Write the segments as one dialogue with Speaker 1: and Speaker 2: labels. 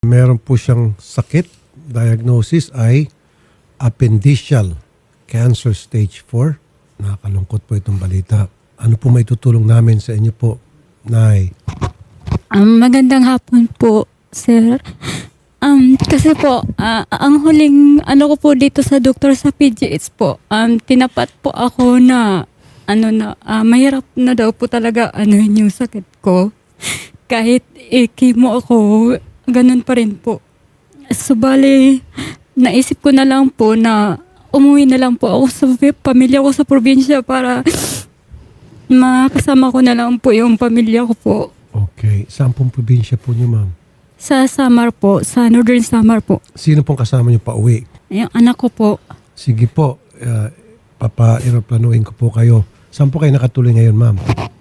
Speaker 1: Meron po siyang sakit. Diagnosis ay appendiceal cancer stage 4. Nakakalungkot po itong balita. Ano po may tutulong namin sa inyo po, Nay?
Speaker 2: Magandang hapon po, sir. Kasi po, ang huling ano ko po dito sa doktor sa PGH po, tinapat po ako na mahirap na daw po talaga yung sakit ko. Kahit chemo ako, ganun pa rin po. Subali, naisip ko na lang po na umuwi na lang po ako sa pamilya ko sa probinsya para makasama ko na lang po yung pamilya ko po.
Speaker 1: Okay. Saan pong probinsya po niyo, ma'am?
Speaker 2: Sa Samar po, sa Northern Samar po.
Speaker 1: Sino pong kasama niyo pa uwi?
Speaker 2: Yung anak ko po.
Speaker 1: Sige po, papa-aeroplanuin ko po kayo. Saan po kayo nakatuloy ngayon, ma'am?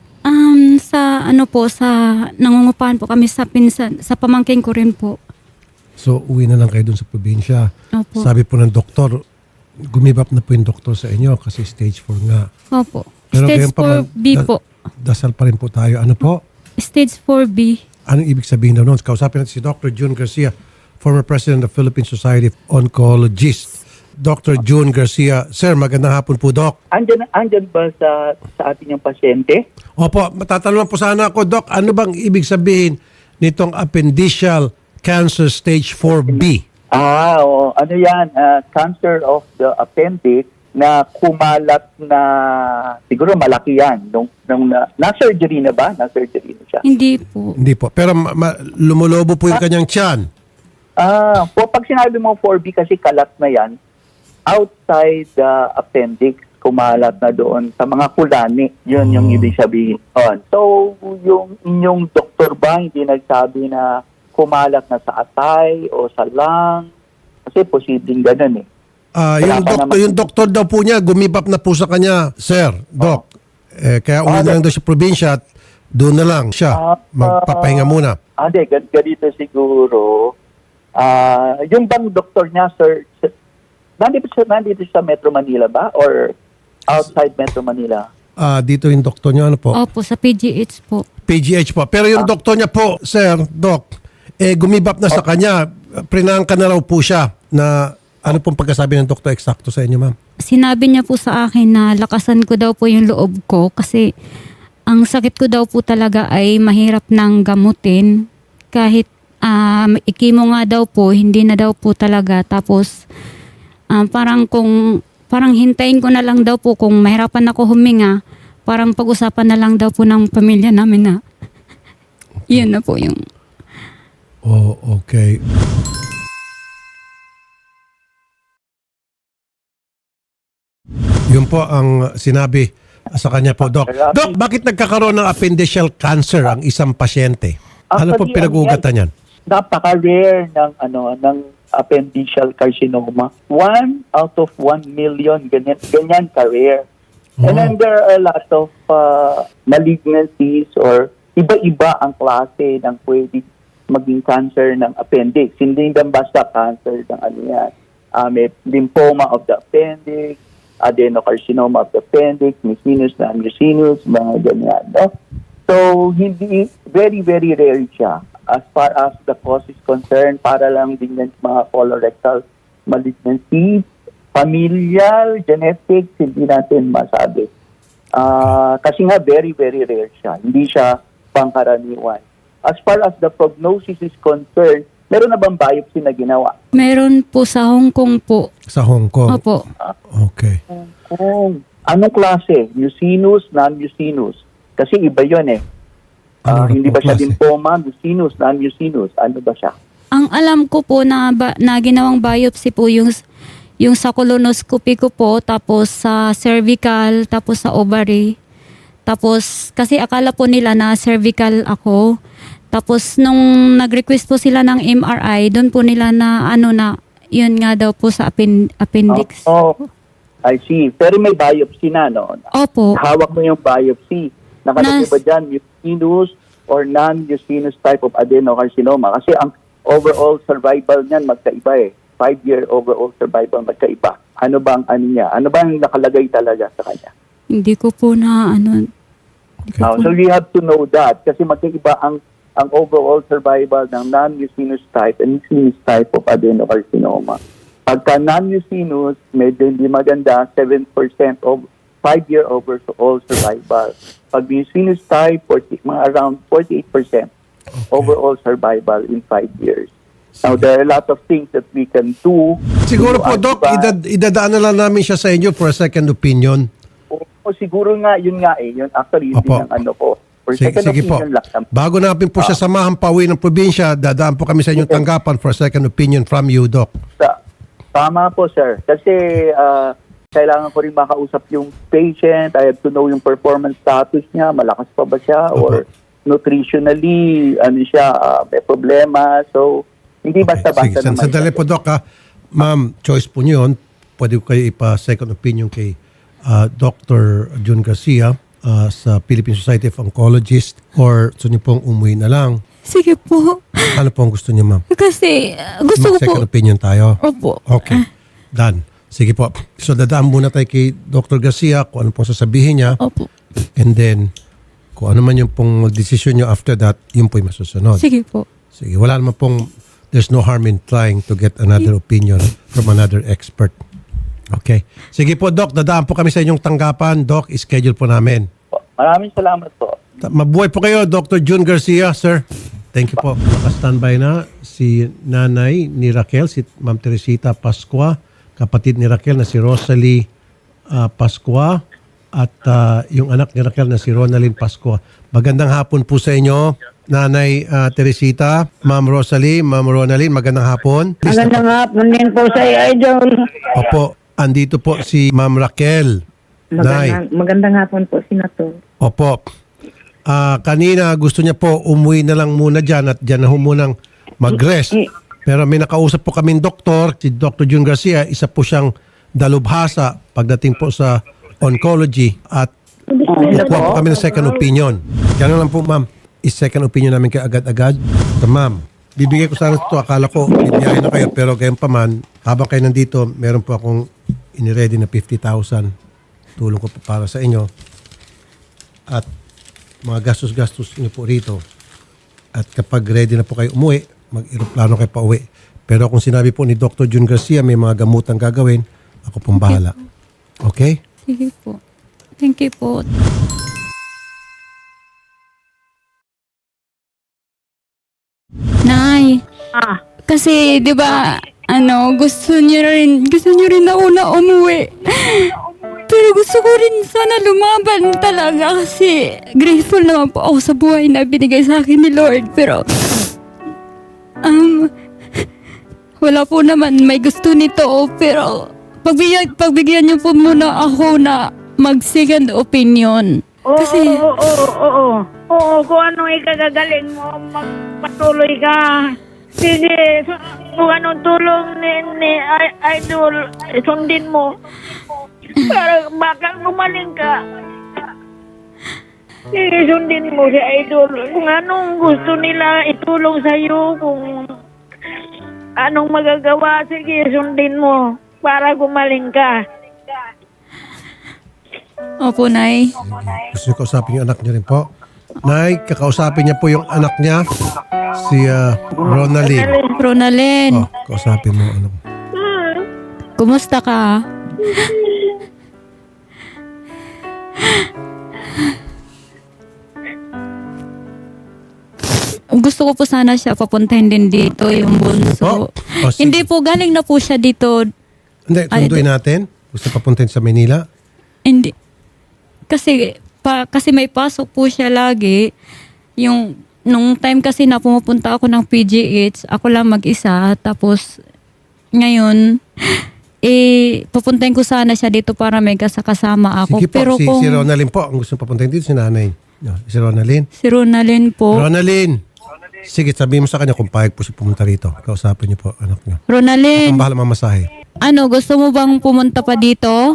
Speaker 2: Sa nangungupahan po kami sa pinsan, sa pamangkin ko rin po.
Speaker 1: So, uwi na lang kayo dun sa probinsya.
Speaker 2: Opo.
Speaker 1: Sabi po ng doktor, gumibap na po yung doktor sa inyo kasi stage 4 nga.
Speaker 2: Opo.
Speaker 1: Pero
Speaker 2: Stage
Speaker 1: gayon pa man,
Speaker 2: 4B po.
Speaker 1: Dasal pa rin po tayo. Ano po?
Speaker 2: Stage 4B.
Speaker 1: Anong ibig sabihin daw noon? Kausapin natin si Dr. June Garcia, former president of Philippine Society of Oncologists. Dr. June Garcia. Sir, magandang hapon po, Doc.
Speaker 3: Andyan ba sa ating yung pasyente?
Speaker 1: Opo, matatanong po sana ako, Doc, ano bang ibig sabihin nitong appendiceal cancer stage 4B?
Speaker 3: Oo. Ano yan? Cancer of the appendix na kumalat na siguro malaki yan. Na-surgery na ba? Na-surgery na siya.
Speaker 2: Hindi po.
Speaker 1: Hindi po. Pero lumulobo po yung kanyang tiyan.
Speaker 3: Pag sinabi mo 4B kasi kalat na yan, outside the appendix, kumalat na doon sa mga kulani. Yun yung ibig sabihin. So, yung inyong doktor ba hindi nagsabi na kumalat na sa atay o sa lung? Kasi posibleng ganun eh.
Speaker 1: Yung doktor daw po niya, gumibap na po sa kanya, Sir, Doc. Kaya uwi na lang daw sa probinsya at doon na lang siya. Magpapahinga muna.
Speaker 3: Ganito siguro. Yung bang doktor niya, sir, nandito sa Metro Manila ba? Or outside Metro Manila?
Speaker 1: Dito yung doktor niya, ano po?
Speaker 2: Opo, sa PGH po.
Speaker 1: PGH po. Pero yung doktor niya po, Sir, Doc, gumibap na sa kanya. Prinangka na raw po siya na ano pong pagkasabi ng doktor eksakto sa inyo, ma'am?
Speaker 2: Sinabi niya po sa akin na lakasan ko daw po yung loob ko kasi ang sakit ko daw po talaga ay mahirap nang gamutin. Kahit ikimo nga daw po, hindi na daw po talaga. Tapos parang hintayin ko na lang daw po kung mahirapan ako huminga, parang pag-usapan na lang daw po ng pamilya namin na yun na po yung...
Speaker 1: Oh, okay. Yun po ang sinabi sa kanya po, Doc. Doc, bakit nagkakaroon ng appendiceal cancer ang isang pasyente? Ano po pinag-ugatan yan?
Speaker 3: Napaka-rare ng appendiceal carcinoma. 1 out of 1 million, ganyan ka-rare. And then there are a lot of malignancies or iba-iba ang klase ng pwede maging cancer ng appendix. Hindi lang basta cancer ng yan. May lymphoma of the appendix, adenocarcinoma of the appendix, mucinous, non-mucinous, mga ganyan. No? So, hindi, very, very rare siya. As far as the cause is concerned, para lang din yan mga colorectal malignancies, familial, genetics, hindi natin masabi. Kasi nga, very, very rare siya. Hindi siya pangkaraniwan. As far as the prognosis is concerned, meron na bang biopsy na ginawa?
Speaker 2: Meron po sa Hong Kong po.
Speaker 1: Sa Hong Kong?
Speaker 2: Opo.
Speaker 1: Okay.
Speaker 3: Anong klase? Mucinous, non-mucinous? Kasi iba yun eh. Hindi ba siya lymphoma, mucinous, non-mucinous? Ano ba siya?
Speaker 2: Ang alam ko po na ginawang biopsy po yung sa colonoscopy ko po, tapos sa cervical, tapos sa ovary. Tapos kasi akala po nila na cervical ako. Tapos nung nag-request po sila ng MRI, doon po nila na yun nga daw po sa appendix.
Speaker 3: I see. Pero may biopsy na, no?
Speaker 2: Opo.
Speaker 3: Hawak mo yung biopsy. Nakalagay ba dyan mucinous or non-mucinous type of adenocarcinoma? Kasi ang overall survival niyan magkaiba eh. 5-year overall survival magkaiba. Ano bang niya? Ano bang nakalagay talaga sa kanya?
Speaker 2: Hindi ko po na
Speaker 1: Okay.
Speaker 3: So you have to know that kasi magkaiba ang ang overall survival ng non-mucinous type and mucinous type of adenocarcinoma. Pagka non-mucinous, medyo hindi maganda, 7% of 5-year overall survival. Pag mucinous type, mga around 48% overall survival in 5 years. Now, there are a lot of things that we can do.
Speaker 1: Siguro po, Doc, idadaan na lang namin siya sa inyo for a second opinion.
Speaker 3: O siguro nga, yun nga eh. Yun actually, yun
Speaker 1: Opo.
Speaker 3: din ang ano ko. For
Speaker 1: Sige,
Speaker 3: second
Speaker 1: sige po.
Speaker 3: opinion lang.
Speaker 1: Bago natin po siya samahan pauwi ng probinsya, dadaan po kami sa inyong tanggapan for a second opinion from you, Doc.
Speaker 3: Tama po, sir. Kasi kailangan ko rin makausap yung patient. I have to know yung performance status niya. Malakas pa ba siya? Or nutritionally, ano siya, may problema. So, hindi basta-basta naman.
Speaker 1: Sandali po, Doc, ha. Ma'am, choice po niyo yun. Pwede ko kayo ipa-second opinion kay Dr. June Garcia sa Philippine Society of Oncologists or gusto niyo pong umuwi na lang.
Speaker 2: Sige po.
Speaker 1: Ano po ang gusto niyo, ma'am?
Speaker 2: Kasi gusto ko po.
Speaker 1: Mag-second opinion tayo.
Speaker 2: Opo.
Speaker 1: Okay. Done. Sige po. So, dadaan muna tayo kay Dr. Garcia kung ano pong sasabihin niya.
Speaker 2: Opo.
Speaker 1: And then, kung ano man yung pong decision niyo after that, yun po yung masusunod.
Speaker 2: Sige po.
Speaker 1: Sige. Wala naman pong, there's no harm in trying to get another opinion from another expert. Okay. Sige po, Doc. Dadaan po kami sa inyong tanggapan. Doc, schedule po namin.
Speaker 3: Maraming salamat po.
Speaker 1: Mabuhay po kayo, Dr. June Garcia, sir. Thank you po. Naka-standby na si nanay ni Raquel, si Ma'am Teresita Pascua, kapatid ni Raquel na si Rosalie Pascua, at yung anak ni Raquel na si Ronalyn Pascua. Magandang hapon po sa inyo, Nanay Teresita, Ma'am Rosalie, Ma'am Ronalyn, magandang hapon.
Speaker 4: Magandang hapon din po sa Idol.
Speaker 1: Opo, andito po si Ma'am Raquel. Nay.
Speaker 4: Magandang hapon po, Senator.
Speaker 1: Opo. Kanina gusto niya po umuwi na lang muna dyan at dyan na munang mag-rest. Pero may nakausap po kaming doktor, si Dr. June Garcia, isa po siyang dalubhasa pagdating po sa oncology at kukuha po kami ng second opinion. Gano'n lang po, ma'am. Is-second opinion namin kayo agad-agad. So, ma'am, bibigay ko sana ito. Akala ko, bibiyahin na kayo. Pero gayon pa man, habang kayo nandito, meron po akong iniready na 50,000. Tulong ko po para sa inyo. At mga gastos-gastos niyo po rito. At kapag ready na po kayo umuwi, mag-aeroplano kayo pa uwi. Pero kung sinabi po ni Dr. June Garcia, may mga gamutang gagawin, ako pong bahala. Okay?
Speaker 2: Sige po. Thank you po. Nay. Kasi 'di ba gusto niyo rin na una umuwi. Pero gusto ko rin sana lumaban talaga kasi grateful naman po ako sa buhay na binigay sa akin ni Lord. Pero wala po naman may gusto nito. Pero pagbigyan niyo po muna ako na mag-second opinion. Kasi
Speaker 4: Oo, kung ano ikagagaling mo, magpatuloy ka. Sige, kung anong tulong ni Idol, sundin mo. Para baka gumaling ka. Sige, sundin mo si Idol. Kung anong gusto nila itulong sa'yo, kung anong magagawa, sige, sundin mo para gumaling ka.
Speaker 2: opo, Nay.
Speaker 1: Gusto niyo kausapin yung anak niyo rin po? Nay, kakausapin niya po yung anak niya, si Ronalyn.
Speaker 2: Ronalyn,
Speaker 1: Oh, kausapin mo. Ano.
Speaker 2: kumusta ka? Gusto ko po sana siya papuntahin din dito, yung bunso.
Speaker 1: Oh, sige.
Speaker 2: Hindi po, galing na po siya dito.
Speaker 1: Hindi, sunduin natin. Gusto papuntahin sa Manila.
Speaker 2: Hindi. Kasi may pasok po siya lagi. Nung time kasi na pumupunta ako ng PGH, ako lang mag-isa. Tapos, ngayon, pupuntahin ko sana siya dito para may kasama ako.
Speaker 1: Sige po,
Speaker 2: Pero
Speaker 1: si Ronalyn po. Ang gusto papuntahin dito, si nanay. No, si Ronalyn.
Speaker 2: Si Ronalyn po.
Speaker 1: Ronalyn! Sige, sabihin mo sa kanya kung payag po siya pumunta rito. Kausapin niyo po, anak niyo.
Speaker 2: Ronalyn,
Speaker 1: Ang bahala mamasahe.
Speaker 2: gusto mo bang pumunta pa dito?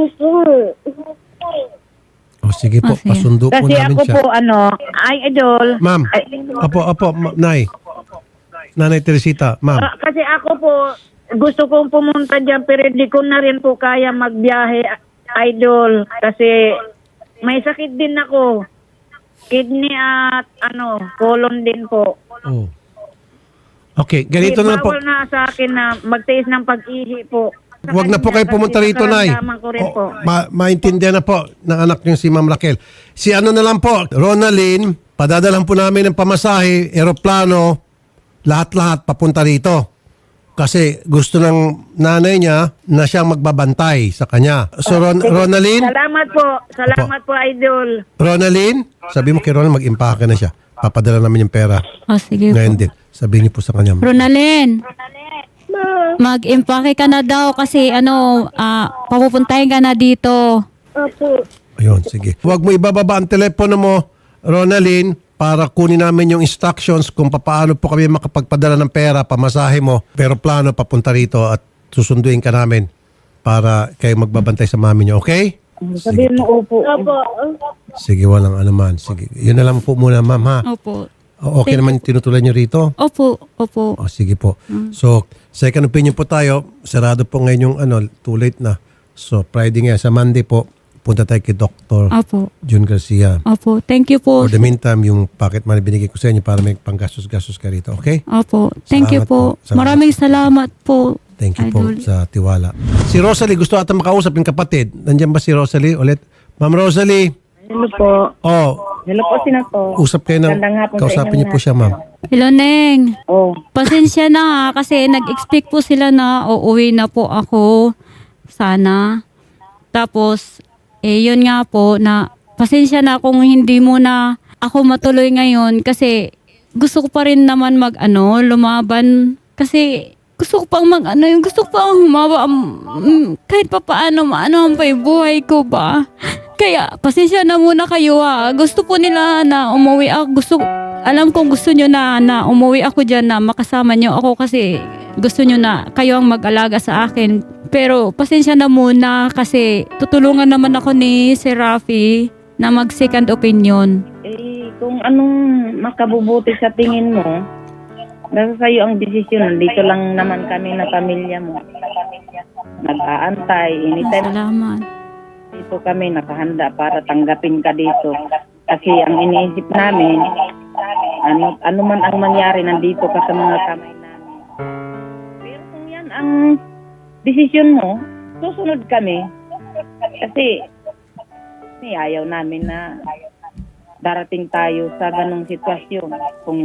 Speaker 1: O sige po,
Speaker 2: Sige.
Speaker 1: pasundo po
Speaker 4: Kasi
Speaker 1: namin
Speaker 4: ako
Speaker 1: siya.
Speaker 4: po, Idol.
Speaker 1: Ma'am, Nay. Nanay Teresita, ma'am.
Speaker 4: Kasi ako po, gusto kong pumunta dyan pero hindi ko na rin po kaya magbiyahe, Idol. Kasi may sakit din ako. Kidney at colon din po.
Speaker 1: Oh. Okay, ganito na lang po.
Speaker 4: Bawal na sa akin na magtiis ng pag-ihi po. Sa
Speaker 1: Huwag na po
Speaker 4: kanya,
Speaker 1: kayo pumunta
Speaker 4: kasi
Speaker 1: rito, Nay.
Speaker 4: nakaramdaman ko rin po.
Speaker 1: Maintindihan na po ng anak niyo si Ma'am Raquel. Si ano na lang po, Ronaldin, padadalan po namin ng pamasahe, eroplano, lahat-lahat papunta rito. Kasi gusto ng nanay niya na siyang magbabantay sa kanya. So, Ronaldin,
Speaker 4: Salamat po. Salamat po, Idol.
Speaker 1: Ronaldin, sabi mo kay Ronald, mag-impake na siya. Papadala namin yung pera.
Speaker 2: Oh, sige po.
Speaker 1: Ngayon din. Sabihin niyo po sa kanya.
Speaker 2: Ronalyn, mag-impake ka na daw kasi papupuntahin ka na dito.
Speaker 4: Opo.
Speaker 1: Ayun, sige. Huwag mo ibababa ang telepono mo, Ronaldin, para kunin namin yung instructions kung paano po kami makapagpadala ng pera, pamasahe mo, pero plano papunta rito at susunduin ka namin para kayo magbabantay sa mami niyo, okay?
Speaker 4: Sabihin mo opo. Opo.
Speaker 1: Sige, walang anuman. Sige, yun na lang po muna, ma'am, ha?
Speaker 2: Opo.
Speaker 1: Okay naman yung tinutulan niyo rito?
Speaker 2: Opo.
Speaker 1: O, sige po. So, second opinion po tayo. Sarado po ngayon yung too late na. So, Friday nga, sa Monday po, punta tayo kay Dr.
Speaker 2: Opo.
Speaker 1: June Garcia.
Speaker 2: Opo. Thank you po.
Speaker 1: For the meantime, yung pocket money binigay ko sa inyo para may panggastos-gastos ka rito. Okay?
Speaker 2: Opo. Thank you
Speaker 1: Salamat
Speaker 2: po.
Speaker 1: po. Salamat.
Speaker 2: Maraming salamat po.
Speaker 1: Thank you
Speaker 2: Idol.
Speaker 1: po sa tiwala. Si Rosalie, gusto ata makausap yung kapatid. Nandiyan ba si Rosalie ulit? Ma'am Rosalie.
Speaker 5: Hello po.
Speaker 1: Oh,
Speaker 5: Hello po, Senator.
Speaker 1: usap kayo ng...
Speaker 5: Magandang hapon sa
Speaker 1: Kausapin
Speaker 5: inyo
Speaker 1: niyo po siya, ma'am.
Speaker 2: Hello, Neng.
Speaker 5: Oh,
Speaker 2: Pasensya na ha, kasi nag-expect po sila na uuwi na po ako. Sana. Tapos, yun nga po na pasensya na kung hindi mo na ako matuloy ngayon kasi gusto ko pa rin naman lumaban. Kasi gusto ko pang gusto ko pang humawa kahit pa paano maano ang buhay ko ba. Kaya pasensya na muna kayo ha. Gusto po nila na umuwi ako. Alam kong gusto nyo na umuwi ako dyan na makasama nyo ako kasi gusto nyo na kayo ang mag-alaga sa akin. Pero pasensya na muna kasi tutulungan naman ako ni Sir Rafi na mag-second opinion.
Speaker 5: kung anong makabubuti sa tingin mo, nasa sa'yo ang desisyon. Dito lang naman kami na pamilya mo. Nag-aantay. Anytime
Speaker 2: Salamat.
Speaker 5: dito kami nakahanda para tanggapin ka dito. Kasi ang iniisip namin, ano man ang mangyari, nandito ka sa mga kamay namin. Pero kung yan ang desisyon mo, susunod kami. Kasi ayaw namin na darating tayo sa ganong sitwasyon. Kung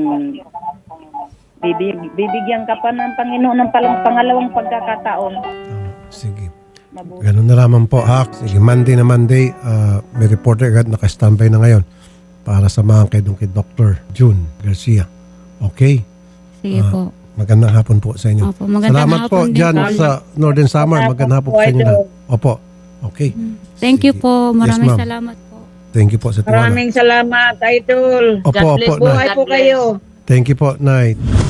Speaker 5: bibigyan ka pa ng Panginoon ng pangalawang pagkakataon.
Speaker 1: Sige.
Speaker 5: Mabuti.
Speaker 1: Ganun na raman po, ha? Sige, Monday na Monday, may reporter agad naka-standby na ngayon para samahan kayo doon kay Dr. June Garcia. Okay?
Speaker 2: Sige po.
Speaker 1: Magandang hapon po sa inyo.
Speaker 2: Opo, magandang
Speaker 1: Salamat po
Speaker 2: hapon din
Speaker 1: dyan
Speaker 2: po.
Speaker 1: sa Northern Summer. Magandang hapon po sa inyo lahat. Opo. Okay.
Speaker 2: Thank you
Speaker 1: Sige.
Speaker 2: po. Maraming
Speaker 1: Yes, ma'am.
Speaker 2: salamat po.
Speaker 1: Thank you po sa tiwala.
Speaker 5: Maraming salamat, Idol.
Speaker 1: Opo,
Speaker 5: God bless.
Speaker 1: opo,
Speaker 5: Buhay
Speaker 1: Nay.
Speaker 5: po kayo.
Speaker 1: Thank you po, Night.